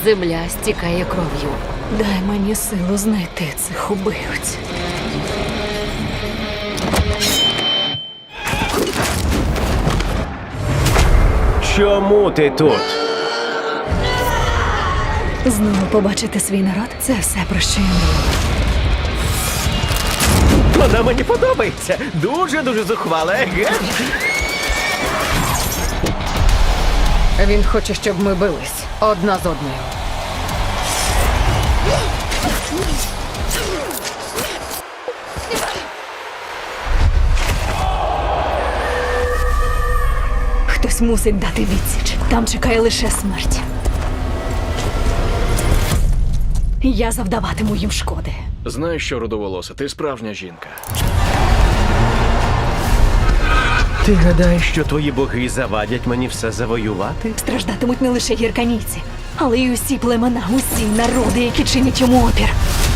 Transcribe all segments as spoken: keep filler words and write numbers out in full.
Земля стікає кров'ю. Дай мені силу знайти цих убивць. Чому ти тут? Знову побачити свій народ – це все, про що я мрію. Вона мені подобається. Дуже-дуже зухвала, еге? Він хоче, щоб ми бились одна з одною. Хтось мусить дати відсіч. Там чекає лише смерть. Я завдаватиму їм шкоди. Знаєш що, рудоволоса, ти справжня жінка. Ти гадаєш, що твої боги завадять мені все завоювати? Страждатимуть не лише гірканійці, але й усі племена, усі народи, які чинять йому опір.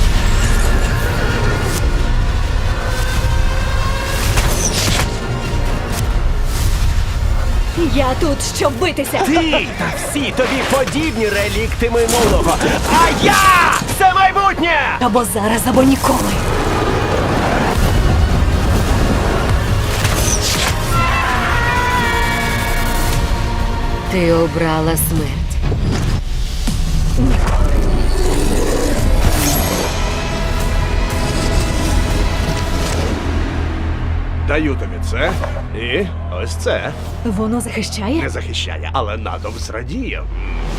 Я тут, щоб битися. Ти та всі тобі подібні релікти минулого. А я – це майбутнє! Або зараз, або ніколи. Ти обрала смерть. Даю тобі це і ось це. Воно захищає? Не захищає, але натовп зрадіє.